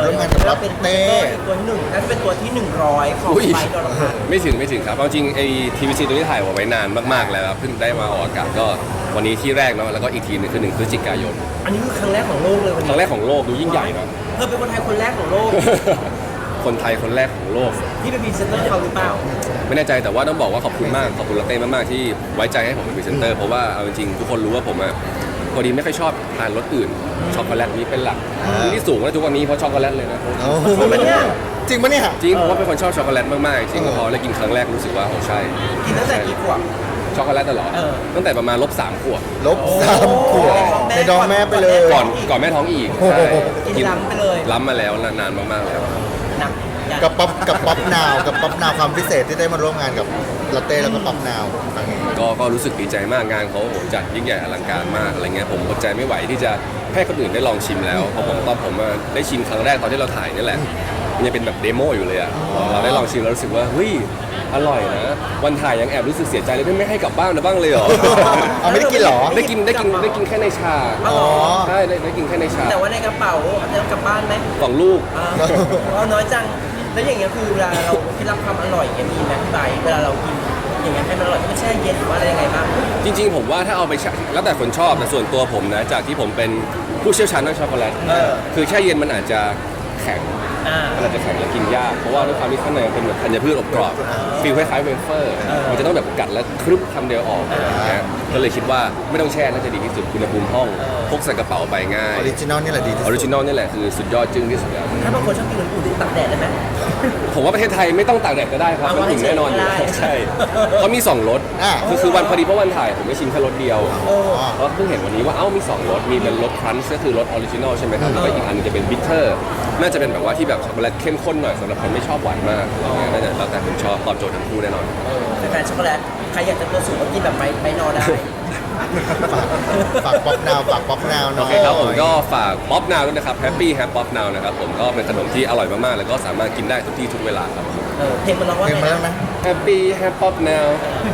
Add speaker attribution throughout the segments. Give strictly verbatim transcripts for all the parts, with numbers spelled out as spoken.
Speaker 1: ร่วมงานกับเราเป็นเต้
Speaker 2: ตัวที่หนึ่งน่าจะเป็นตัวที่หนึ่งร้อยของ
Speaker 3: อุ๊ย
Speaker 2: ไบค์ดอลลาร์
Speaker 3: ไม่ถึงไม่ถึงครับเอาจริงไอ้ทีวีซีตัวนี้ถ่ายไว้นานมากๆแล้วครับเพิ่งได้มาออกอากาศก็วันนี้ที่แรกเนาะแล้วก็อีกทีหนึงคือหนึ่งพฤศจิกายน
Speaker 2: อันนี้คือครั้งแรกของโลกเลยวัน
Speaker 3: ค
Speaker 2: นี้
Speaker 3: รั้งแรกของโลกดูยิ่งใหญ่นะ
Speaker 2: เธอเป็นคนไทยคนแรกของโลก
Speaker 3: คนไทยคนแรกของโลก
Speaker 2: ที่เป็นพรีเซนเตอร์เขาหรือเปล่า
Speaker 3: ไม่แน่ใจแต่ว่าต้องบอกว่าขอบคุณมากขอบคุณลาเต้มากๆที่ไว้ใจให้ผมเป็นพรีเซนเตอร์เพราะว่าเอาจริงๆทุกคนรู้ว่าผมอะพอดีไม่ค่อยชอบทานรสอื่นช็อกโกแลตนี้เป็นหลักที่สูงแล้วทุกวันนี้เพราะช็อกโกแลตเลยนะ
Speaker 1: โอ้โหจริงปะเนี่ย
Speaker 3: จริงผมว่าเป็นคนชอบช็อกโกแลตมากๆจริงพอได้กินครั้งแรกรู้สึกว่าโอ้ใช่
Speaker 2: กินตั้งแต่กี่ขวบ
Speaker 3: ช็อกโกแลตตลอด
Speaker 2: เออ
Speaker 3: ตั้งแต่ประมาณลบสามขวบ
Speaker 1: ลบสามขวบในดองแม่ไปเลย
Speaker 3: ก่อนก่อนแม่ท้องอีก
Speaker 1: โอ้โห
Speaker 3: ใช่
Speaker 2: กินล้ำไปเลย
Speaker 3: ล้ำมาแล้วนานมากๆแล้ว
Speaker 2: หนักอย่าง
Speaker 1: กับป๊อปกับป๊อปนาวกับป๊อปนาวความพิเศษที่ได้มาร่วมงานกับลาเต้แล้วก็ป๊อปนาวครั้งนี้
Speaker 3: ก็ก็รู้สึกดีใจมากงานเขาโอ้โหจัดยิ่งใหญ่อลังการมากอะไรเงี้ยผมอดใจไม่ไหวที่จะให้คนอื่นได้ลองชิมแล้วเพราะผมตอนผมมาได้ชิมครั้งแรกตอนที่เราถ่ายนี่แหละมันยังเป็นแบบเดโมอยู่เลยอะพอเราได้ลองชิมแล้วรู้สึกว่าเฮ้ยอร่อยนะวันถ่ายยังแอบรู้สึกเสียใจเลยไม่ไม่ให้กลับบ้านนะบ้างเลยเหรอ
Speaker 1: เอาไม่ได้กินเหรอ
Speaker 3: ได้กินได้กินได้กินแค่ในชา
Speaker 1: อ๋อ
Speaker 3: ใช่ได้ได้กินแค่ในชา
Speaker 2: แต่ว่าในกระเป๋าเอากลับบ้านไหม
Speaker 3: สองลูก
Speaker 2: อ่าเอาน้อยจัง แล้วอย่างเงี้ยคือเวลาเราเคล็ดลับความอร่อยเนี่ยมีไหมพี่ไบค์เวลาเรากินอย่างเงี้ยให้มันอร่อยไม่แช่เย็นหรือว่าอะไรยังไงบ้าง
Speaker 3: จริงๆผมว่าถ้าเอาไปแช่แล้วแต่คนชอบแต่ส่วนตัวผมนะจากที่ผมเป็นผู้เชี่ยวชาญด้านช็อกโกแลต
Speaker 2: เออ
Speaker 3: คือแช่เย็นมันอาจจะแข็ง
Speaker 2: อ่า
Speaker 3: มันอาจจะแข็งและกินยากเพราะว่าด้วยความที่ข้างในมันเป็นแบบธัญพืชอบกรอบฟีลคล้ายๆเวเฟอร์
Speaker 2: เออ
Speaker 3: มันจะต้องแบบกัดแล้วครึบคำเดียวออกอะไรอย่างเงี้ยก็เลยคิดว่าไม่ต้องแช่น่าจะดีที่สุดอุณหภูมิห้องพกใส่กระเป๋าไปง่า
Speaker 1: อย อริจินอลนี่แหละดีที่
Speaker 3: อ
Speaker 1: สุ
Speaker 3: อ
Speaker 1: ด
Speaker 3: ริจินอลนี่แหละคือสุดยอดจึ้งที่สุดแล้ว
Speaker 2: ถ้าบางคนชอบกินอุ่นๆตากแดดได้ไหม
Speaker 3: ผมว่าประเทศไทยไม่ต้องตากแดดก็ได้ครับ
Speaker 2: เอา
Speaker 3: มันถึงแน่นอนอยู่
Speaker 2: ได้
Speaker 3: แล้วใช่เขามีสองรส
Speaker 1: อ่ะ
Speaker 3: คือคือวันพอดีเพราะวันถ่ายผมไม่ชิมแค่รสเดียว
Speaker 2: เออ
Speaker 3: เพราะเพิ่งเห็นวันนี้ว่าเอ้ามีสองรสมีเป็นรสครันช์ก็คือรสออริจินอลใช่ไหมครับแล้วก็อีกอันนึงจะเป็นบิทเทอร์น่าจะเป็นแบบว่าที่แบบช็อกโกแลตเข้มข้นหน่อยสำหรับคนไม่ชอบหวานมากอะไรเงี้ยน่าจะแล้วแต่คนชอบตอบโจทย์ทั้งคู่แน่นอน
Speaker 2: เป็นแฟนช็อกโกแลตใครอยากจะตัวสูงก็กินแบบไปไปนอนได้
Speaker 1: ฝากป๊อปนาวฝากป๊อปนาวหน่
Speaker 3: โอ
Speaker 1: อย
Speaker 3: เคครับผมก็ฝากป๊อปนาวด้วยนะครับแฮปปี้แฮปป๊อปนาวนะครับผมก็เป็นขนมที่อร่อยมากๆแล้วก็สามารถกินได้ทุกที่ทุกเวลาครับ
Speaker 2: เออเพลงมันร้องว่า
Speaker 1: เพลง
Speaker 2: ไง
Speaker 1: มาแล้ว
Speaker 2: นะ
Speaker 1: นะ
Speaker 3: แฮปปี้แฮปป๊อปนาว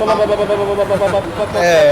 Speaker 1: เออ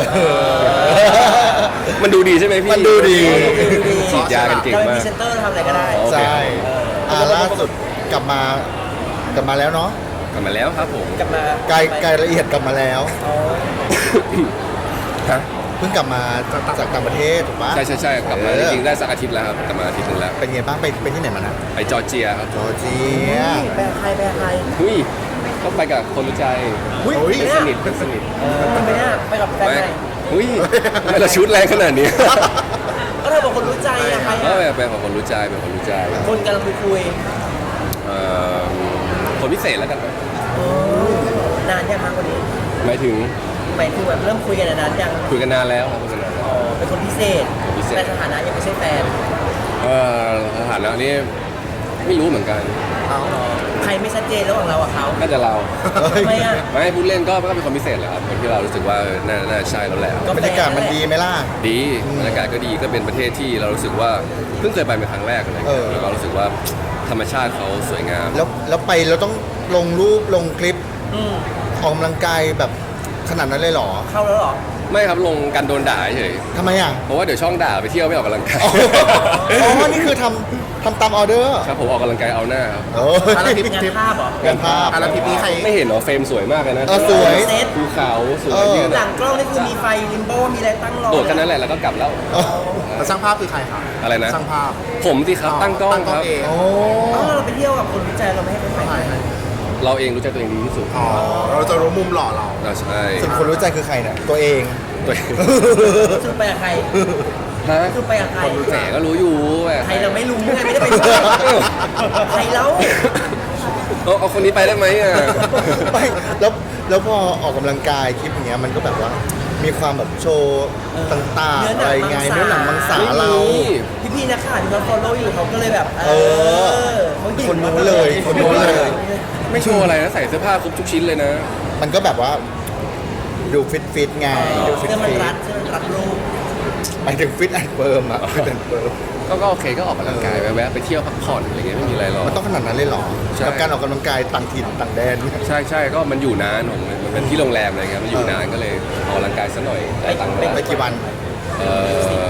Speaker 3: มันดูดีใช่ไหมพี่
Speaker 1: มันดูดี
Speaker 3: ฉีดยากันเก่ง
Speaker 2: เราเป็น
Speaker 3: มา
Speaker 2: พ
Speaker 3: ก
Speaker 2: รีเซนเตอร์ทำอะไรก็ได้
Speaker 3: โอเค
Speaker 1: ใช่อ่าล่าสุดกลับมากลับมาแล้วเนาะ
Speaker 3: กลับมาแล้วครับผม
Speaker 2: กลับมา
Speaker 1: ไกลไกลละเอียดกลับมาแล้ว
Speaker 2: อ๋อ
Speaker 3: ฮะ
Speaker 1: เพิ่งกลับมาจากต่างประเทศถูกปะ
Speaker 3: ใช่ใช่ใช่กลับมา
Speaker 1: เอ
Speaker 3: จ
Speaker 1: อ
Speaker 3: ริงๆได้สักอาทิตย์แล้วครับกลับมาอาทิตย์หนึงแล้ว
Speaker 1: เป็นไงบ้างไปไปที่ไหนมานะ
Speaker 3: ไปจอร์เจียครับ
Speaker 1: จอร์เจีย
Speaker 2: แปลใครแปลใคร
Speaker 3: หุ้ยต้องไปกับคนรู้ใจ
Speaker 2: หุ้ย
Speaker 1: โอ้ย
Speaker 3: เพื่อนสนิทเพื่อนสนิท
Speaker 2: เออไปเนี่ยไปกับแฟน
Speaker 3: ไม่
Speaker 2: ใหม่
Speaker 3: หุ้ยทำไมเราชุดแรงขนาดนี้
Speaker 2: ก็เธอบอกคนรู้ใจอะใคร
Speaker 3: เอ
Speaker 2: อะ
Speaker 3: อเป็นของคนรู้ใจเป็นคนรู้ใจ
Speaker 2: คนกำลังคุยคุย
Speaker 3: เอ่อคนพิเศษแล้วกัน
Speaker 2: ๆเออนานยังคะคนนี้
Speaker 3: หมายถึง
Speaker 2: หมายถึงแบบเริ่มคุยกันนานยัง
Speaker 3: คุยกันนานแล้วครับคุยกันนานแล้ว
Speaker 2: อ๋อเป็นคนพิเศษ
Speaker 3: คนพิเศษ
Speaker 2: แต่สถานะยังไม่ใช่แฟน
Speaker 3: เออสถานะนี้ไม่รู้เหมือนกัน
Speaker 2: อ๋อใครไม่ชัดเจนระหว่างเรากับเขา
Speaker 3: น่าจะเรา
Speaker 2: ทำไมอะ
Speaker 3: ไม่พูดเล่นก็ก็เป็นคนพิเศษแหละครับคนที่เรารู้สึกว่าเออน่าน่าใช่แล้วแหละ
Speaker 2: ก็
Speaker 1: บรรยากาศมันดีไหมล่ะ
Speaker 3: ดีบรรยากาศก็ดีก็เป็นประเทศที่เรารู้สึกว่าเพิ่งเคยไปเป็นครั้งแรกอะไร
Speaker 1: เอ
Speaker 3: เงี้
Speaker 1: อ
Speaker 3: ยแล้วก็รู้สึกว่าธรรมชาติเขาสวยงาม
Speaker 1: แล้วแล้วไปเราต้องลงรูปลงคลิป
Speaker 2: อืม
Speaker 1: ออกกำลังกายแบบขนาดนั้นเลยเหรอ
Speaker 2: เข้าแล้วเหรอ
Speaker 3: ไม่ครับลงกันโดนด่าเฉย
Speaker 1: ทำไมอ่ะ
Speaker 3: เพราะว่าเดี๋ยวช่องด่าไปเที่ยวไม่ออกกำลังกาย
Speaker 1: อ๋ออ๋อ นี่คือทำทำตามออเดอร์
Speaker 3: ครับผมออกกำลังกายเอาหน้าครับ
Speaker 1: โอ้ย
Speaker 2: อะไรทริปงานภาพเหรอ
Speaker 1: งานภาพ
Speaker 4: อาราทิปนี้ใคร
Speaker 3: ไม่เห็นเหรอเฟรมสวยมากเลยนะ
Speaker 1: เออสวย
Speaker 2: เซต
Speaker 3: ภูเขาสวย
Speaker 1: เออ
Speaker 3: ยืน
Speaker 2: หลังกล้องนี่คือมีไฟลิมโบมีอะไรตั้งรอ
Speaker 3: โดดแค่นั้นแหละแล้วก็กลับแล้ว
Speaker 1: อ๋อ
Speaker 4: แต่ช่างภาพคือใครครับ
Speaker 3: อะไรนะ
Speaker 4: ช่างภาพ
Speaker 3: ผมสิครับตั้งกล้องครับ
Speaker 4: เอง
Speaker 1: โอ้
Speaker 2: อ๋อเราไปเที่ยวกับคนวิจัยเราไม่ให้เป็นไฟ
Speaker 4: ใช่ใช่
Speaker 3: เราเองรู้จักตัวเองดีที่สุด
Speaker 4: อ๋อ เราจะรู้มุมหล่อเรา
Speaker 3: เราใช่
Speaker 1: ส่วนคนรู้ใจคือใครเนี่ยตัวเอง
Speaker 3: ตัวเอง
Speaker 2: คือไปกับใคร
Speaker 3: ฮะ
Speaker 2: คือไปกับใคร
Speaker 3: แหมก็รู้อยู่แหม
Speaker 2: ใครเราไม่รู้ไงไม่ได้ไปด้วยใครแล้ว
Speaker 3: เอาเอาคนนี้ไปได้ไหมอ่ะ
Speaker 1: ไม่แล้วแล้วพอออกกำลังกายคลิปอย่างเงี้ยมันก็แบบว่ามีความแบบโชว์ต่างๆอะไรไงเนื้อหนังมังสาเรา
Speaker 2: พี่พี่ๆนักข่าวที่เขา follow อยู่เขาก็เลยแบบ
Speaker 1: เออ
Speaker 2: เขาหยิบ
Speaker 1: คนนู้นเลยคนนู้นเลย
Speaker 3: ไม่โชว์อะไรนะใส่เสื้อผ้าครบทุกชิ้นเลยนะ
Speaker 1: มันก็แบบว่าดูฟิตฟิตๆไงดูฟิต
Speaker 2: เสื้อมัน
Speaker 1: ฟิต
Speaker 2: รัดเสื้อมันรัดรูป
Speaker 1: หมายถึงฟิตแอนด์เฟิร์มอะฟิตแอนด์เฟิร์ม
Speaker 3: ก็ก็โอเคก็ออกกำลังกายแวะๆไปเที่ยวพักผ่อนอะไรเงี้ยไม่มีอะไรหรอก
Speaker 1: มันต้องขนาดนั้นเลยเหรอ
Speaker 3: ใช่
Speaker 1: กับการออกกำลังกายต่างถิ่นต่างแดน
Speaker 3: ใช่ใช่ก็มันอยู่นานผมมันเป็นที่โรงแรมอะไรเงี้ยมันอยู่นานก็เลยออกกำลังกายซะหน่อยได้ตังค์
Speaker 1: ไป
Speaker 3: ไป
Speaker 1: กี่วัน
Speaker 3: เอ่อ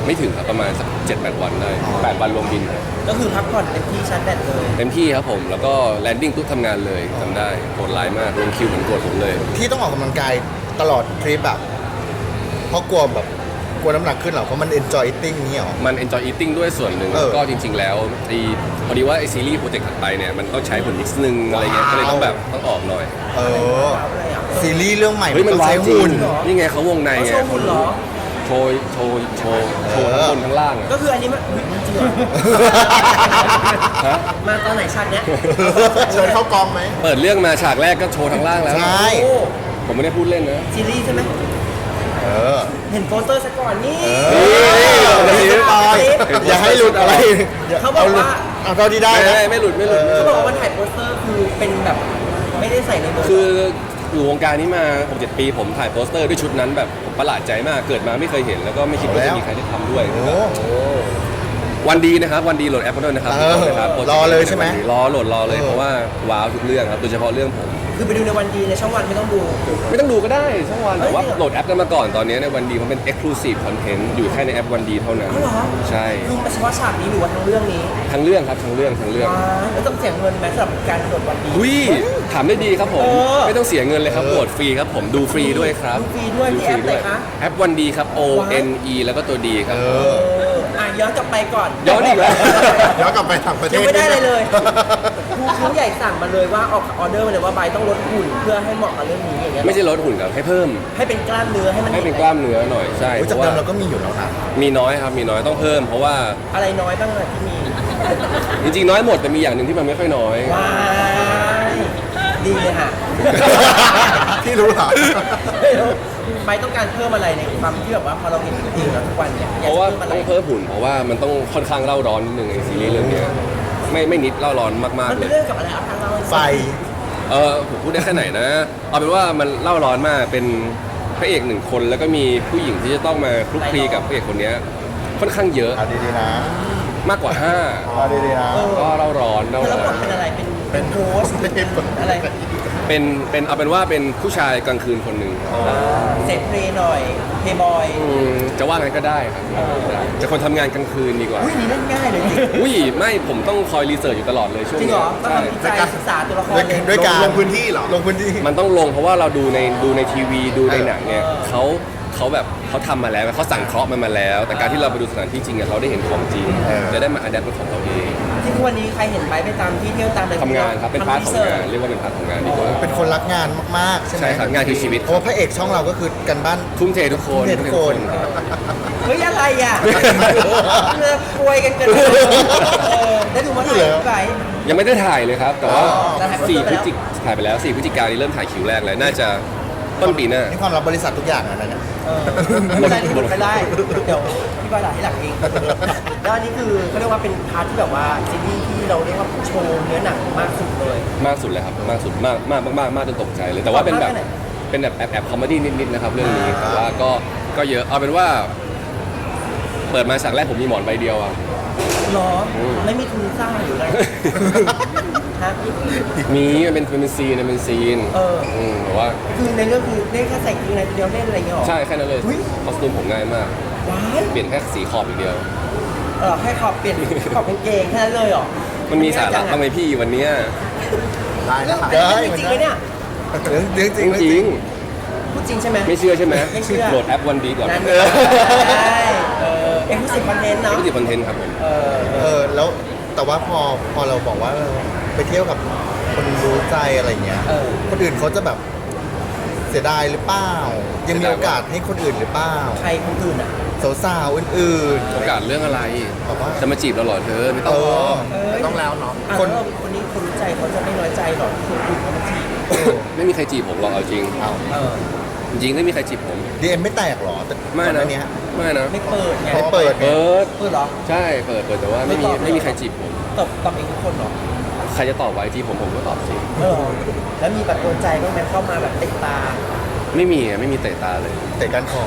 Speaker 3: ไม่ถึงครับประมาณสักเจ็ดแปดวันได้แปดวันรวมบินครับ
Speaker 2: ก็คือพักผ่อนเต็มที่ชาร์จแบตเลย
Speaker 3: เต็มที่ครับผมแล้วก็แลนดิ้งปุ๊บทำงานเลยจำได้โหดร้ายมากลงคิวเหมือนโกรธผมเลย
Speaker 1: ที่ต้องออกกำลังกายตลอดทริปแบบเพราะกลัวแบบกลัวน้ำหนักขึ้นเหรอเพราะมัน enjoy eating นี่หรอ
Speaker 3: มัน enjoy eating ด้วยส่วนหนึ่ง
Speaker 1: เออ
Speaker 3: ก็จริง ๆ แล้วไอ้พอดีว่าไอซีรีส์โปรเจกต์ถัดไปเนี่ยมันต้องใช้ผลนิดนึงอะไรเงี้ยก็เลยต้องแบบต้องออกหน่อย
Speaker 1: เออ
Speaker 2: อะไรอ่ะ
Speaker 1: ซีรีส์เรื่องใหม่
Speaker 3: เฮ้ยมัน
Speaker 1: ต้อง
Speaker 3: ว้า
Speaker 1: ใช้
Speaker 3: วจริง
Speaker 1: หุ่น
Speaker 3: นี่ไงเขาวงใน
Speaker 2: เขา
Speaker 3: ไง
Speaker 2: โชว์หุ่นเหรอ
Speaker 3: โชว์โชว์โชว์โชว์ทั้งบนทั้งล่างอะ
Speaker 2: ก็คืออันนี้มันอุ๊ยมันจริงเหรอ
Speaker 3: ฮะ
Speaker 2: มาตอนไหนชาติเนี้ย
Speaker 4: เชิญเข้ากองไหม
Speaker 3: เปิดเรื่องมาฉากแรกก็โชว์ทั้งล่างแล้ว
Speaker 1: ใช่
Speaker 2: โอ้
Speaker 3: ผมไม่ได้พูดเล่นนะ
Speaker 2: ซีรีส์ใช่ไหม
Speaker 1: เออ
Speaker 2: เห็นโปสเตอร์ซะก่อนนี่
Speaker 1: เอออย่าให้ตายอย่าให้หลุดอะไร
Speaker 2: เขาบอกว่า
Speaker 1: เอาเท่าที่ได้
Speaker 3: ไม่
Speaker 1: นะ
Speaker 3: ไม่ไม่หลุดไม่หลุดไม่ห
Speaker 2: เขา
Speaker 3: ลุด
Speaker 2: บอกว่าวันถ่ายโปสเตอร์คือเป็นแบบไม่ได้ใส่ในมือ
Speaker 3: คืออยู่วงการนี้มาหกเจ็ดปีผมถ่ายโปสเตอร์ด้วยชุดนั้นแบบผมประหลาดใจมากเกิดมาไม่เคยเห็นแล้วก็ไม่คิดว่าจะมีใครได้ทำด้วย
Speaker 1: โอ้
Speaker 3: วันดีนะครับวันดีโหลดแอปด้วยนะครับ
Speaker 1: เออ
Speaker 3: นะครับ
Speaker 1: รอเลยใช่ไหม
Speaker 3: รอโหลดรอเลย
Speaker 1: เออ
Speaker 3: เพราะว่าว้าวทุกเรื่องครับโดยเฉพาะเรื่องผม
Speaker 2: คือไปดูในวันดีในช่องวันไม่ต้องดู
Speaker 3: ไม่ต้องดูก็ได้ช่องวัน
Speaker 2: เฮ้
Speaker 3: แต่
Speaker 2: ย
Speaker 3: ว่า
Speaker 2: จริงเหรอ
Speaker 3: โหลดแอปกันมาก่อนตอนนี้ในวันดีมันเป็น exclusive content อยู่แค่ในแอปวันดีเท่านั้น
Speaker 2: อ๋อเหรอ
Speaker 3: ใช่
Speaker 2: คือเฉพาะฉากนี้หรือว่าทั้งเรื่องนี้
Speaker 3: ทั้งเรื่องครับทั้งเรื่องทั้งเรื่อง
Speaker 2: ว้ายแล้วต้องเสียเงินไหมสำหรับการโหลดวันดี
Speaker 3: วิถามได้ดีครับผม
Speaker 2: เออ
Speaker 3: ไม่ต้องเสียเงินเลยครับโหลดฟรีครับผมดูฟรีด้วยครับ
Speaker 2: ดูฟรีด้วยที่แอปไหนคะ
Speaker 3: แอปวันดีครับ O N E แล้วก็ตัวดีครับ
Speaker 1: เอ
Speaker 2: เอ
Speaker 1: อ
Speaker 2: ออ่ะย้อนกลับไปก่อน
Speaker 3: ย้อนอีกแล้ว
Speaker 4: ย้อนกลับไปต่างประเทศ
Speaker 2: ยังไม่ได้เลยเลยครูเขาใหญ่สั่งมาเลยว่าออกออเดอร์มาเลยว่าใบต้องลดหุ่นเพื่อให้เหมาะกับเรื่องนี้อย่างเงี้ย
Speaker 3: ไม่ใช่ลดหุ่นครับให้เพิ่ม
Speaker 2: ให้เป็นกล้ามเนื้อให้มัน
Speaker 3: ให้เป็นกล้ามเนื้อหน่อยใช่
Speaker 1: โอ้ย
Speaker 3: เพ
Speaker 1: จาก
Speaker 3: ราะ
Speaker 1: เดิ
Speaker 3: ว่าม
Speaker 1: เราก็มีอยู่แล้วนะ
Speaker 3: มีน้อยครับมีน้อยต้องเพิ่ม เพราะว่า
Speaker 2: อะไรน้อยบ้างอะที่มี
Speaker 3: จริงๆน้อยหมดแต่มีอย่างหนึ่งที่มันไม่ค่อยน้อย
Speaker 2: ว้ายดีเลยค่ะ
Speaker 4: พี่รู้เหรอ
Speaker 2: ใบต้องการเพิ่มอะไรในความที่แบบว่าพอเราเห็นจริงๆแล้วทุกวันเนี่ย
Speaker 3: เพราะว่า
Speaker 2: อยกจ
Speaker 3: ต้อง
Speaker 2: พิ่ม
Speaker 3: เพิ่มหุ่นเพราะว่ามันต้องค่อนข้างเล่าร้อนนิดนึงไอซีรีส์เรื่องเนี้ยไม่ไม่นิดเล่าร้อนมาก
Speaker 2: มัน
Speaker 3: ๆเล
Speaker 2: เป็น
Speaker 3: ย
Speaker 2: เรื่องกับอะไรเอาทางเรา
Speaker 1: ไฟ
Speaker 3: เออผมพูดได้แค่ไหนนะเอาเป็นว่ามันเล่าร้อนมากเป็นพระเอกหนึ่งคนแล้วก็มีผู้หญิงที่จะต้องมาคลุกคลีกับพระเอกคนเนี้ยค่อนข้างเยอะ
Speaker 1: เอาดีๆนะ
Speaker 3: มากกว่าห้า
Speaker 1: เอาดีๆนะ
Speaker 3: ก็เล่าร้อนเล่า
Speaker 2: แล้ว
Speaker 3: ร้
Speaker 2: บ
Speaker 3: อ
Speaker 2: ท
Speaker 3: น
Speaker 2: เป็นอะไรเป็นเป็นโค้ชอะไร
Speaker 3: เป็นเป็นเอาเป็นว่าเป็นผู้ชายกลางคืนคนหนึ่ง
Speaker 2: เซฟเพลย์หน่อยเพย์บอย
Speaker 3: อืมจะว่างั้นก็ได้ครับจะคนทำงานกลางคืนดีกว่า
Speaker 2: อุ้ยนี่เล่นง่ายเลยจริง
Speaker 3: อุ้ยไม่ผมต้องคอยรีเสิร์ชอยู่ตลอดเลยช่วง
Speaker 2: จริง
Speaker 3: นี้
Speaker 2: เหรอต้อง
Speaker 3: ใช่
Speaker 2: ทำวิจัยศึกษาตัวละคร
Speaker 1: ด้วย
Speaker 2: เลย
Speaker 1: ด้วยการ
Speaker 4: ลงพื้นที่เหรอ
Speaker 1: ลงพื้นที่
Speaker 3: มันต้องลงเพราะว่าเราดูในดูในทีวีดูในหนังเนี่ย
Speaker 2: เออ
Speaker 3: เขาเขาแบบเขาทำมาแล้วเขาสั่งเคราะห์มันมาแล้ว แต่การที่เราไปดูสถานที่จริงเนี่ยเราได้เห็นของจริง
Speaker 1: เออ
Speaker 3: จะได้มาอัดแอปเป็นของเราเอง
Speaker 2: ที่ทุกวันนี้ใครเห็นไปไปตามที่เที่ยวตามอะไร
Speaker 3: ทำงานครับเป็นพาร์ทของงาน
Speaker 2: ทำ
Speaker 3: เรียกว่าเป็นพาร์ทของงานดีกว่า
Speaker 1: เป็นคนรักงานมากๆ ใช่ไหม
Speaker 3: ใช่ครับงานคือชีวิต
Speaker 1: เพราะว่าพระเอกช่องเราก็คือกันบ้าน
Speaker 3: ทุ่มเททุกคน
Speaker 1: ทุ่มเททุกคน
Speaker 3: รับ
Speaker 2: เฮ้ยอะไรอ่ะเลิกป่วยกันเกินเออได้ดูเมื่อไหร่พี่ไบร์ท
Speaker 3: ยังไม่ได้ถ่ายเลยครับ แต่ว่า
Speaker 2: อ๋อแต่ถ่าย
Speaker 3: สี่
Speaker 2: ไป
Speaker 3: พ
Speaker 2: แล้ว
Speaker 3: ฤศจิกถ่ายไปแล้วสี่พฤศจิกายนนี้เริ่มถ่ายคิวแรกเลยน่าจะต้นปีหน้า
Speaker 1: นี่ความรับบริษัททุกอย่างอะนะเนี่ย
Speaker 2: เออไม่ได้ที่หลุดไปได้ เดี๋ยวพี่บอยหลักให้หลักเอง แล้วอันนี้คือเขาเรียกว่าเป็นพาร์ทที่แบบว่าซีรีส์ที่เราเรียกว่าโชว์เนื้อหนังมากสุดเลย
Speaker 3: มากสุดเลยครับมากสุดมากมากมากมากมากจนตกใจเลย แต่ว่าเป็นแบบ
Speaker 2: มากแค่ไหน
Speaker 3: เป็นแบบแอบแอบคอมเมดี้นิดๆนะครับเรื่องนี้แต่ว่าก็ก็เยอะเอาเป็นว่า เปิดมาฉากแรกผมมีหมอนใบเดียวอ่ะ
Speaker 2: หรอ
Speaker 3: อืม
Speaker 2: ไม่มีทุนสร้างหรืออะไรฮะ
Speaker 3: มีมันเป็นเป็นซีนมันเป็นซีน
Speaker 2: เออ
Speaker 3: มแต่ว่า
Speaker 2: คือในเรื่องคือเล่นแค่ใส่กางเกงในตัวเดียวเล่นอะไรอย่างเงี้ยหรอ
Speaker 3: ใช่แค่นั้นเลย
Speaker 2: อุ๊ย
Speaker 3: คอสตูมผมง่ายมาก
Speaker 2: ว้าย
Speaker 3: เปลี่ยนแค่สีขอบอีกเดียว
Speaker 2: เออแค่ขอบเปลี่ยนขอบกางเกงแค่นั้นเลยเหรอ
Speaker 3: มันมีสาระทำไมพี่วันเนี้ย
Speaker 4: ได้นะค
Speaker 2: เรื่
Speaker 4: รั
Speaker 2: อบ งจริงไหมเนี่ย
Speaker 1: เรื่องเรื่องจ
Speaker 3: จ
Speaker 1: ริงเรื่อง
Speaker 3: ริ
Speaker 1: จริ
Speaker 3: ง
Speaker 1: ง
Speaker 2: พูดจริงใช่ไหม
Speaker 3: ๆไม่เชื่อใช่ไหม
Speaker 2: ไม่เชื่อ
Speaker 3: โหลดแอปวันดีก่อน
Speaker 2: นั่น
Speaker 3: เอ
Speaker 2: ไง
Speaker 3: อ
Speaker 2: ใช่เออเอ็กซ์คลูซีฟคอนเทนต์เนาะ
Speaker 3: ไม่ติดคอนเทนต์ครับผม
Speaker 2: เออ
Speaker 1: เออแล้วแต่ว่าพอพอเราบอกว่าเออไปเที่ยวกับคนรู้ใจอะไรเงี้ย
Speaker 2: เออ
Speaker 1: คนอื่นเขาจะแบบเสียดายหรือเปล่า ยังมีโอกาสให้คนอื่นหรือเปล่า
Speaker 2: ใครคนอื่นอ่ะ
Speaker 1: สาวๆอื่น
Speaker 3: โอกาสเรื่องอะไร
Speaker 1: ๆแบบว่า
Speaker 3: จะมาจีบเราเหรอเธอไม่
Speaker 1: เอ
Speaker 3: ต้อง
Speaker 1: อ
Speaker 2: เอ้ย
Speaker 4: ต้องแล้วเนาะ
Speaker 2: อ่ะ
Speaker 1: คน
Speaker 2: แล้วคนนี้คนรู้ใจเขาจะไม่น้อยใจหรอกที่คนอื่นเขามาจีบ
Speaker 3: ไม่มีใครจีบผมหรอกเอาจริง
Speaker 1: เอา
Speaker 2: เออ
Speaker 3: จริงๆไม่มีใครจีบผม
Speaker 1: ดีเอ็มไม่แตกหรอแต่
Speaker 3: ไม่
Speaker 1: ก่อห
Speaker 3: นะ
Speaker 1: เนี้ย
Speaker 3: ไม่นะ
Speaker 2: ไม่เปิดไง
Speaker 1: ไม่เปิดไง
Speaker 3: เปิด
Speaker 2: เปิดเหรอ
Speaker 3: ใช่เปิดเปิดแต่ว่าไม่มี
Speaker 2: ไม่ตอบเลย
Speaker 3: ไม่มีใครจีบผม
Speaker 2: ตอบตอบเองทุกคนเหรอ
Speaker 3: ใครจะตอบไว้จีบผมผมก็ตอบสิ
Speaker 2: เออแล้วมีแบบโดนใจบ้างไหมเข้ามาแบบติดตา
Speaker 3: ไม่มีอะไม่มีเตะตาเลย
Speaker 1: เตะกันคอ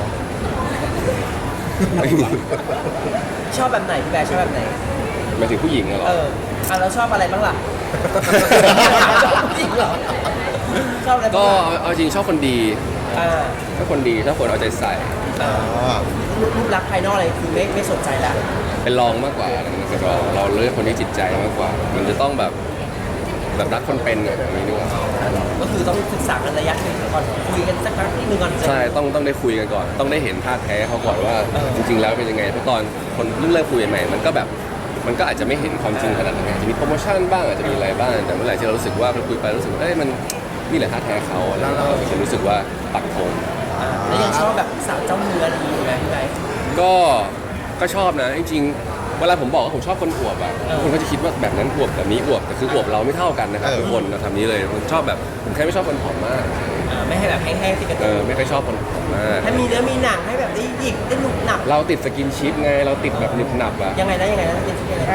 Speaker 3: ไม่มี
Speaker 2: ชอบแบบไหนพี่แบร์ชอบแบบไหน
Speaker 3: หมายถึงผู้หญิงอะเหรอ
Speaker 2: เอออ่ะแล้วชอบอะไรบ้างล่ะ ชอบผู้หญิงเหรอชอบอะไร
Speaker 3: ก็
Speaker 2: บ้างล่ะ
Speaker 3: เอาเอาจริงชอบคนดี
Speaker 2: อ่า
Speaker 3: ถ้าคนดีถ้าคนเอาใจใส่
Speaker 1: อ๋อ
Speaker 2: รูปลักษณ์ภายนอกอะไรคือไม่ไม่สนใจแล้ว
Speaker 3: เป็นรองมากกว่าอะไรเงี้ยคือเราเราเลือกคนที่จิตใจมากกว่า มันจะต้องแบบแบบรักคนเป็นอย่างนี้ดีกว่า
Speaker 2: ก็คือต้องศึกษากันระยะหนึ่งก่อนคุยกันสักครั้งหนึ่งก่อน
Speaker 3: ใช่ต้องต้องได้คุยกันก่อน ต้องได้เห็นท่าแท้เขาก่อนว่าจริงๆแล้วเป็นยังไงเพราะตอนคนเพิ่งเริ่มคุยใหม่มันก็แบบมันก็อาจจะไม่เห็นความจริงขนาดนั้นอาจจะมีโปรโมชั่นบ้างอาจจะมีอะไรบ้างแต่เมื่อไหร่ที่เรารู้สึกว่าเราคุยไปรู้สึกว่าเอ้ยมันนี่แหละท่าแท้เขาแล้วเราจะรู้สึกว่าปักธง
Speaker 2: แล้วยังชอบแบบสาวเจ้าเนื้ออะไรอยู่ไหมพี่ไบร์ท
Speaker 3: ก็ก็ชอบนะจริงๆเวลาผมบอกว่าผมชอบคนอวบอ่ะทุกคนก็จะคิดว่าแบบนั้นอวบแบบนี้อวบแต่คืออวบเราไม่เท่ากันนะครับทุกคนเราทำนี้เลยผมชอบแบบผมแค่ไม่ชอบคนผอมมาก
Speaker 2: อ่าไม่ให้แบบแห้งๆติดกระ
Speaker 3: เอ
Speaker 2: ตู
Speaker 3: อไม่ค่อยชอบคนผอมมาก
Speaker 2: ให้มีเนื้อมีหนังให้แบบได้หยิกได้หนุบหนับ
Speaker 3: เราติดสกินชิปไงเราติดแบบหนึบหนับอ่ะ
Speaker 2: ยังไงนะยังไงนะเป็นที่ยังไงนะ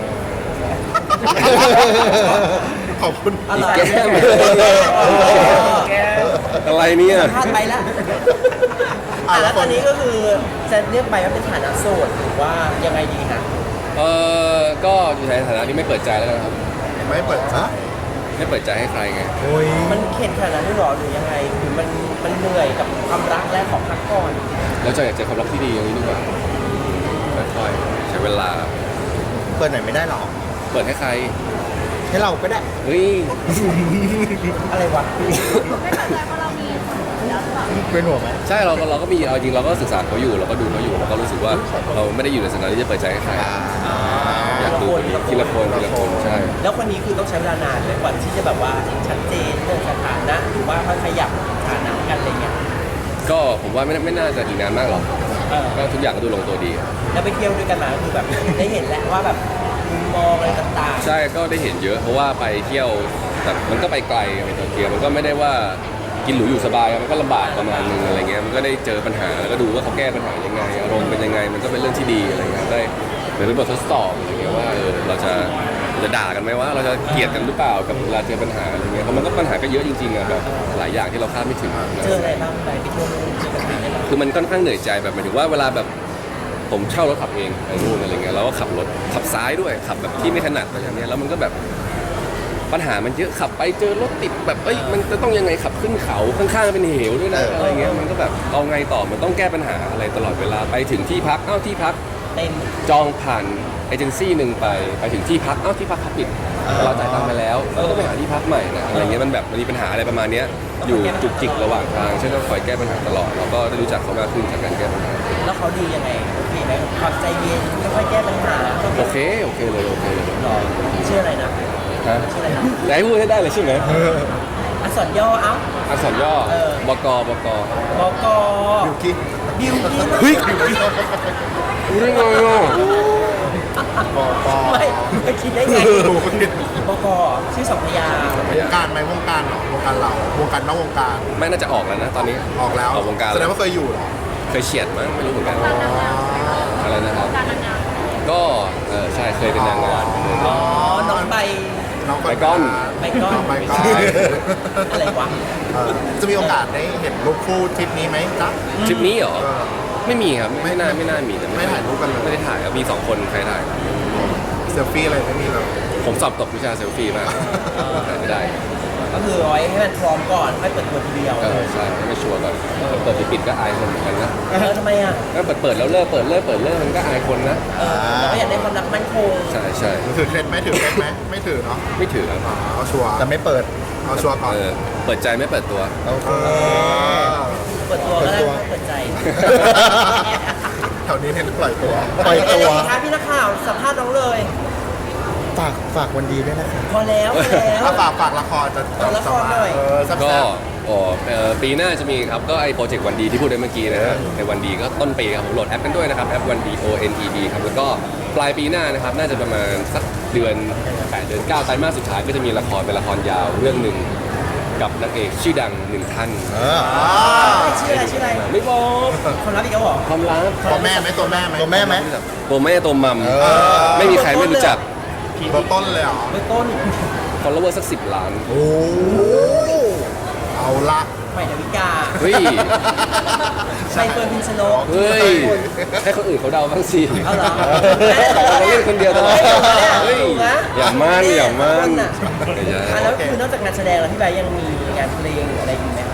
Speaker 4: ขอบคุณ
Speaker 2: อะไร
Speaker 3: แก้ม
Speaker 2: แก้ม
Speaker 3: อะไรเนี่ย
Speaker 2: พลาดไปแล้วอ่ะแล้วตอนนี้ก็คือจะเรียกไปว่าเป็นฐานะโสดหรือว่ายังไงดีคะ
Speaker 3: เออก็อยู่ในฐานะที่ไม่เปิดใจแล้วกันครับ
Speaker 4: ไม่เปิดซะ
Speaker 3: ไม่เปิดใจให้ใครไง
Speaker 1: โอ้ย
Speaker 2: มันเข็ดขนาดนั้นด้วยเหรอหรือยังไงหรือมันมันเหนื่อยกับความรักและของพักก่อน
Speaker 3: แล้วจะอยากเจอความรักที่ดีอย่างนี้ดีกว่าค่อยๆใช้เวลา
Speaker 1: เปิดไหนอยไม่ได้หรอก
Speaker 3: เปิดให้ใคร
Speaker 1: ให้เราก็ได้
Speaker 3: เฮ้ย
Speaker 2: อะไรวะ
Speaker 5: ไม่เข้าใจว่าเรามีคนอื่นแล้วหรือเปล่า
Speaker 1: เป็นห่วงไหม
Speaker 3: ใช่เราก็เราก็มีเอาจริงเราก็ศึกษาเขาอยู่เราก็ดูเขาอยู่เราก็รู้สึกว่าเราไม่ได้อยู่ในสถานะที่จะเปิดใจให้ใครอยากดูทีละคนทีละคนใช่
Speaker 2: แล้วคนนี้คือต้องใช้เวลานานไหมกว่าที่จะแบบว่าชัดเจนเรื่องสถานะหรือว่าค่อยขยับฐานะกันอะไรเงี้ย
Speaker 3: ก็ผมว่าไม่ไม่น่าจะอีกนานมากหรอก
Speaker 2: เออ
Speaker 3: ก็ทุกอย่างก็ดูลงตัวดี
Speaker 2: แล้วไปเที่ยวด้วยกันมาก็คือแบบ ได้เห็นแล้วว่าแบบมุมมองอะไรต่างๆ
Speaker 3: ใช่ก็ได้เห็นเยอะเพราะว่าไปเที่ยวแต่มันก็ไปไกลไปโตเกียวมันก็ไม่ได้ว่ากินหรูอยู่สบายมันก็ลำบากประมาณนึงอะไรเงี้ยมันก็ได้เจอปัญหาแล้วก็ดูว่าเขาแก้ปัญหายังไงอารมณ์เป็นยังไงมันก็เป็นเรื่องที่ดีอะไรเงี้ยได้เหมือนเป็นบททดสอบอะไรเงี้ยว่าเออเราจะจะด่ากันไหมว่าเราจะเกลียดกันหรือเปล่ากับเวลาเจอปัญหาอะไรเงี้ยเพราะมันก็ปัญหาก็เยอะจริงๆอะแบบหลายอย่างที่เราคาดไม่ถึง
Speaker 2: เจออะไรบ้างไปไปเที่ยวนู่นเจอปัญหาอะไรบ้าง
Speaker 3: คือมันค่อนข้างเหนื่อยใจแบบหมายถึงว่าเวลาแบบผมเช่ารถขับเองไปนู่นอะไรเงี้ยแล้วก็ขับรถขับซ้ายด้วยขับแบบที่ไม่ถนัดอะไรอย่างเงี้ยแล้วมันก็แบบปัญหามันเยอะขับไปเจอรถติดแบบเอ้ยมันจะต้องยังไงขับขึ้นเขาข้างๆเป็นเหวด้วยนะอะไรเงี้ยมันก็แบบเอาไงต่อมันต้องแก้ปัญหาอะไรตลอดเวลาไปถึงที่พักเอ้าที่พัก
Speaker 2: เต็ม
Speaker 3: จองผ่านเอเจนซี่หนึ่งไปไปถึงที่พักเอ้าที่พักเขาปิดเราจ่ายตังค์ไปแล้วเราต้องไปหาที่พักใหม่นะอะไรเงี้ยมันแบบมันมีปัญหาอะไรประมาณเนี้ยอยู่จุกจิกระหว่างทางเช่นต้องคอยแก้ปัญหาตลอดเราก็ได้รู้จักเขามากขึ้นจากการแก้ปัญหา
Speaker 2: แล้วเขาดียังไงโอเคไหมความใจเย็นค่อยๆแก้ปัญหา
Speaker 3: โอเคโอเคเลยโอเคเลย
Speaker 2: หรอชื่ออะไรนะ
Speaker 3: ฮะ
Speaker 2: ชื่ออะไรนะ
Speaker 3: ไหนพูดให้ได้เลยใช่ไหม
Speaker 2: อักษรย่อเอ้า
Speaker 3: อักษรย่อ
Speaker 2: เออ
Speaker 3: บกบก
Speaker 2: บก
Speaker 4: บิวกิ้น
Speaker 2: บิวกิน
Speaker 3: เฮ้ยรู้ได้ไงอ่ะ
Speaker 4: ปอปอ
Speaker 2: ไม่ไม่คิดได้ไง
Speaker 4: ดูคนผิด
Speaker 2: บกชื่อสองพยางค์
Speaker 4: วงการไหมวงการเหรอวงการเราวงการนอกวงการ
Speaker 3: ไม่น่าจะออกแล้วนะตอนนี้
Speaker 4: ออกแล้ว
Speaker 3: ออกวงการ
Speaker 4: แสด
Speaker 3: แล้
Speaker 4: ง
Speaker 3: ว
Speaker 4: ว่าเคยอยู่เหรอ
Speaker 3: เคยเฉียดมั้งไม่รู้เหมือนกัน
Speaker 4: อ๋อ
Speaker 3: อะไรนะครับ
Speaker 5: การนางงาม
Speaker 3: ก็เออใช่เคยเป็นนางงาม
Speaker 2: อ๋อ น้องใบ
Speaker 4: น้อง
Speaker 3: ไปก้อน
Speaker 2: ไปก้อน
Speaker 4: น้องไปก้อน
Speaker 2: อะไรวะ
Speaker 4: เออจะมีโอกาสได้เห็นรูปคู่ทริปนี้ไหมจ๊ะ
Speaker 3: ทริปนี้เหรอ
Speaker 4: เออ
Speaker 3: ไม่มีครับไม่น่าไม่น่ามีแต่
Speaker 4: ไม่ถ่ายรูปกันเลย
Speaker 3: ไม่ได้ถ่ายครับมีสองคนใครถ่าย
Speaker 4: เซลฟี่อะไรไม่มีเลย
Speaker 3: ผมสอบตกวิชาเซลฟี่มากถ่ายไม่ได้
Speaker 2: ก็คือเอาไว้ให้มันพร้อมก่อนค่อยเปิดตัวทีเดียว
Speaker 3: เออใช่ไม่ชัวร์ก่อนเปิดปิดๆก็อายคนเหมือนกันนะ
Speaker 2: เออทำไมอ่ะ
Speaker 3: ก็เปิดเปิดแล้วเลิกเปิดเลิกเปิดเลิกมันก็อายคนนะ
Speaker 2: เออเราก็อยากได้ความรักมั่นคง
Speaker 3: ใช่ใช่
Speaker 4: ถือเคล็ดไหมถือเคล็ดไหมไม่ถือเนาะ
Speaker 3: ไม่ถือครับ
Speaker 4: อ๋อเอาชัวร์
Speaker 1: แต่ไม่เปิด
Speaker 4: เอาชัวร์ก่อน
Speaker 3: เออเปิดใจไม่เปิดตัว
Speaker 1: โอเค
Speaker 4: เออ
Speaker 2: เปิดตัวก็ได้
Speaker 1: เปิดตัว
Speaker 2: ไม่เปิดใจ
Speaker 4: แถวนี้เน้นปล่อยตัว
Speaker 1: ปล่อยตัว
Speaker 2: ยังไงคะพี่นักข่าวสัมภาษณ์น้องเลย
Speaker 1: ฝากฝากวันดีด้วยนะครับ
Speaker 2: พอแล้วพอแล้ว
Speaker 4: ถ้าฝากฝากละครจะ
Speaker 2: ฝากละครหน่อย
Speaker 4: เออแซ่บ
Speaker 3: ก็
Speaker 4: ๆ
Speaker 3: อ๋อเอ่อปีหน้าจะมีครับก็ไอโปรเจกต์วันดีที่พูดไปเมื่อกี้นะฮะในวันดีก็ต้นปีครับผมโหลดแอปกันด้วยนะครับแอปวันดี O N E D ครับแล้วก็ปลายปีหน้านะครับน่าจะประมาณสักเดือนแปดเดือนเก้าไตรมาสสุดท้ายก็จะมีละครเป็นละครยาวเรื่องหนึ่งกับนางเอกชื่อดังหนึ่งท่าน
Speaker 1: เออ
Speaker 4: อ๋อ
Speaker 2: ชื่ออะไรชื่ออะไร
Speaker 3: ไม่บอก
Speaker 2: ความลับอีกแล้วเหรอ
Speaker 3: ความลับ
Speaker 4: ตัวแม่ไหมตัวแม่ไหม
Speaker 1: ตัวแม่ไหม
Speaker 3: ตัวแม่ตัวมัม
Speaker 1: เออ
Speaker 3: ไม่มีใครไม่รู้จัก
Speaker 4: ตัวต้นเลยเหรอ
Speaker 2: เบื้องต้น
Speaker 3: follower สักสิบล้าน
Speaker 1: โอ้
Speaker 4: เอาละ
Speaker 2: ใหม่ดาวิกา
Speaker 3: เฮ้ย
Speaker 2: ใบเฟิร์นพิมชนก
Speaker 3: เฮ้ยให้คนอื่นเขาเดาบ้างสิ
Speaker 2: เอาเหรอ
Speaker 3: แต่เราเล่นคนเดียวตลอด
Speaker 2: เฮ้ย
Speaker 3: อย่ามั่นอย่ามั่น
Speaker 2: อ่ะแล้วคือนอกจากงานแสดงแล้วพี่ใบยังมีงานเพลงอะไรอยู่ไหมคะ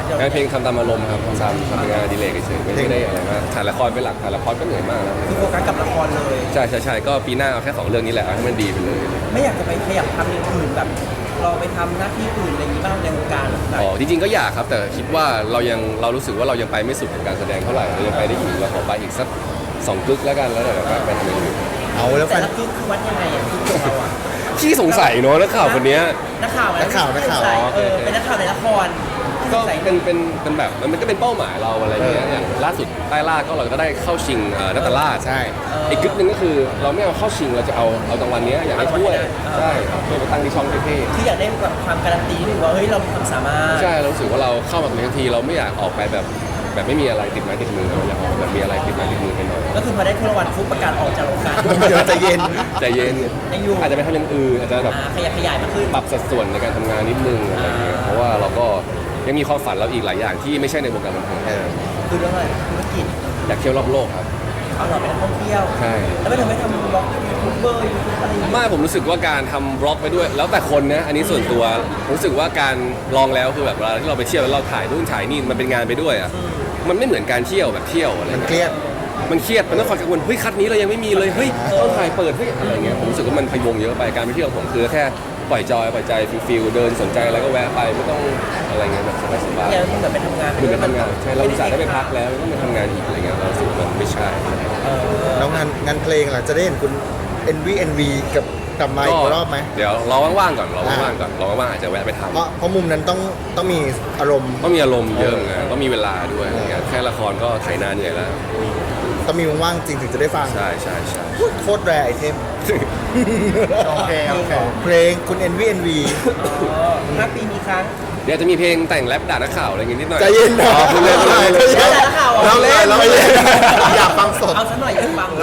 Speaker 3: งานเพลงทำตามอารมณ์ครับทำตามทำเป็นงานอดีเลกเฉยๆไม่ได้อะไรมากถ่ายละครเป็นหลักถ่ายละครก็เหนื่อยมากแล้ว
Speaker 2: คือโฟกัสกับละครเลย
Speaker 3: ใช่ใช่ใช่ก็ปีหน้าเอาแค่สองเรื่องนี้แหละเอาให้มันดีไปเลย
Speaker 2: ไม่อยากจะไปขยับทำอย่างอื่นแบบเราไปทำหน้าที่อื่นอะไรอย่างนี้บ้างในวงการแบบ
Speaker 3: อ๋อจริงๆก็อยากครับแต่คิดว่าเรายังเรารู้สึกว่าเรายังไปไม่สุดกับการแสดงเท่าไหร่เรายังไปได้อีกเราขอไปอีกสักสองกึกแล้วกันแล้วเดี๋ยวเราไปทำอย่างอื่น
Speaker 1: เอาแล้วแฟ
Speaker 2: แต่
Speaker 1: น
Speaker 2: ละคือคือวัดยังไงอ่ะคือตัวเราอ่ะ
Speaker 3: ขี้สงสัยเนอะนักข่าวคนเนี้ย
Speaker 2: นักข่าว
Speaker 1: นักข่าวนักข่าว
Speaker 2: ใส่
Speaker 3: อ๋อโอ
Speaker 2: เอ
Speaker 3: เค
Speaker 2: อ
Speaker 3: โอเค
Speaker 2: เป็นนักข่าวในละคร
Speaker 3: ก็
Speaker 2: ใส่
Speaker 3: เป็นเป็นเป็นแบบมันก็เป็นเป้าหมายเราอะไรเงี้ยอย่างล่าสุดใต้ล่าก็เราก็ได้เข้าชิงเอ่อนัตตาลาด
Speaker 1: ใช่
Speaker 3: อีกกึ๊กหนึงก็คือเราไม่เอาเข้าชิงเราจะเอาเอารางวัลเนี้ยอยากให้ถ้วยใช่เพื่อไปตั้งที่ช่องเท่
Speaker 2: คืออยากได้แบบความการันตีหรือว่าเฮ้ยเรามีความสามารถ
Speaker 3: ๆใช่เรารู้สึกว่าเราเข้ามาตรงนี้ทันทีเราไม่อยากออกไปแบบแบบไม่มีอะไรติดไม้ติดมือเราอยากออกแบบมีอะไรติดไม้ติดมือไปหน่อย
Speaker 2: ก็คือพอได้ถ้วยรางวัลฟุบประกาศออกจากวงการ
Speaker 1: เดี๋ยวใจเย็น
Speaker 3: ใจเย็น
Speaker 2: ยังอยู่
Speaker 3: อาจจะไปทำอย่างอื่นอาจจะแบบ
Speaker 2: อ่าขยับขยายมากขึ้น
Speaker 3: ปรับสัดส่วนในการทำงานนิดนึงอะไรเงี้ยเพราะว่าเราก็ยังมีความฝันเราอีกหลายอย่างที่ไม่ใช่ในวงการบันเทิง
Speaker 1: เออ
Speaker 2: คือเรื่องอะไรธุรกิจ
Speaker 3: อยากเที่ยวรอบโลกครับ
Speaker 2: เอาเราไปท่องเที่ยว
Speaker 3: ใช่
Speaker 2: แล้วไม่ทำให้ทำบล็อกยูทูบเบอร์ยูทูบอะไรอย่างเงี้ย
Speaker 3: ไม่ผมรู้สึกว่าการทำบล็อกไปด้วย แล้วแต่คนนะอันนี้ส่วนตัวรู้สึกว่าการลองแล้วคือแบบเวลาที่เราไปเที่ยวแล้วเราถ่ายนู่นถ่ายนี่มันเป็นงานไปด้วยอ่ะมันไม่เหมือนการเที่ยวแบบเที่ยวอะไร
Speaker 1: มัน
Speaker 3: เงี้ย
Speaker 1: เครียด
Speaker 3: มันเครียดมันต้องคอยกังวลเฮ้ยคัดนี้เรายังไม่มีเลยเฮ้ยต้องถ่ายเปิดเฮ้ยอะไรเงี้ยผมรู้สึกว่ามันพะวงเยอะไปการไปเที่ยวของผมคือแค่ปล่อยจอยปล่อยใจฟิลๆเดินสนใจอะไรก็แวะไปไม่ต้องอะไรเงี้ยแบบสบายๆ
Speaker 2: เนี่ยมันเหมือนไปทำงาน
Speaker 3: เหมือนไปทำงานใช่เราอุตส่าห์ได้ไปพักแล้วต้องไปทำงานอีกอะไรเงี้ยเรารู้สึกว่ามันไม่ใช่
Speaker 2: เออ
Speaker 1: แล้วงานงานเพลงล่ะจะได้เห็นคุณ เอ็น วี เอ็น วี กับกลับมาอีกรอบไหม
Speaker 3: เดี๋ยวรอว่างๆก่อนรอว่างๆก่อนรอว่างๆอาจจะแวะไปทำ
Speaker 1: เพราะเพราะมุมนั้นต้องต้องมีอารมณ์
Speaker 3: ต้องมีอารมณ์เยอะไงต้องมีเวลาด้วยอะไรเงี้ยแค่ละครก็ถ่ายนานเหนื่อยแล้ว
Speaker 1: ต้องมีว่างๆจริงถึงจะได้ฟัง
Speaker 3: ใช่ใช่ใช่
Speaker 1: โคตรแรไอเทม
Speaker 4: โอเคโอเค
Speaker 1: เพลงคุณ เอ็น วี เอ็น วี
Speaker 2: อ๋อห้าปีมีครั้ง
Speaker 3: เดี๋ยวจะมีเพลงแต่งแรปด่านักข่าวอะไรเงี้ยนิดหน่อย
Speaker 1: ใจเย็นนะ
Speaker 3: อ๋อพูดเล่นพูดเล่น
Speaker 1: ใจเย็น
Speaker 2: แล้วแต่ละข่าวอ่ะ
Speaker 1: เราเล่นเราเล่นอยากฟังสด
Speaker 2: เอาสักหน่อยอยากฟัง